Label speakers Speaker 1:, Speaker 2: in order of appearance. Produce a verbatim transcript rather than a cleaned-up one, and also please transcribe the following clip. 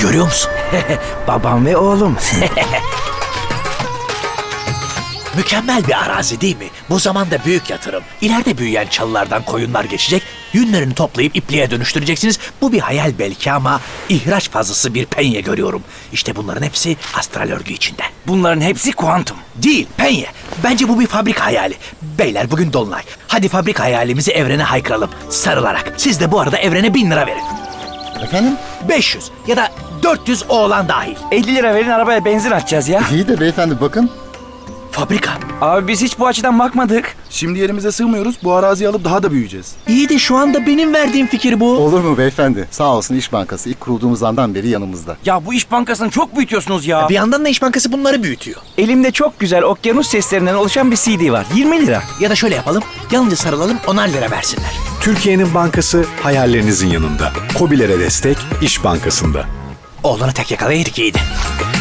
Speaker 1: Görüyor musun?
Speaker 2: Babam ve oğlum.
Speaker 1: Mükemmel bir arazi değil mi? Bu zamanda büyük yatırım. İleride büyüyen çalılardan koyunlar geçecek, yünlerini toplayıp ipliğe dönüştüreceksiniz. Bu bir hayal belki ama ihraç fazlası bir penye görüyorum. İşte bunların hepsi astral örgü içinde.
Speaker 2: Bunların hepsi kuantum.
Speaker 1: Değil, penye. Bence bu bir fabrika hayali. Beyler bugün dolunay. Hadi fabrika hayalimizi evrene haykıralım. Sarılarak. Siz de bu arada evrene bin lira verin.
Speaker 3: Efendim?
Speaker 1: beş yüz ya da dört yüz oğlan dahil.
Speaker 2: elli lira verin, arabaya benzin atacağız ya.
Speaker 3: İyi de beyefendi bakın.
Speaker 1: Fabrika.
Speaker 2: Abi biz hiç bu açıdan bakmadık.
Speaker 4: Şimdi yerimize sığmıyoruz. Bu araziyi alıp daha da büyüyeceğiz.
Speaker 1: İyi de şu anda benim verdiğim fikir bu.
Speaker 3: Olur mu beyefendi? Sağ olsun İş Bankası ilk kurulduğumuz andan beri yanımızda.
Speaker 2: Ya bu İş Bankası'nı çok büyütüyorsunuz ya.
Speaker 1: Bir yandan da İş Bankası bunları büyütüyor.
Speaker 2: Elimde çok güzel okyanus seslerinden oluşan bir C D var. yirmi lira.
Speaker 1: Ya da şöyle yapalım. Yalnızca sarılalım, onar lira versinler.
Speaker 5: Türkiye'nin bankası hayallerinizin yanında. KOBİ'lere destek İş Bankası'nda.
Speaker 1: Oğlanı tek yakalayaydık iyiydi.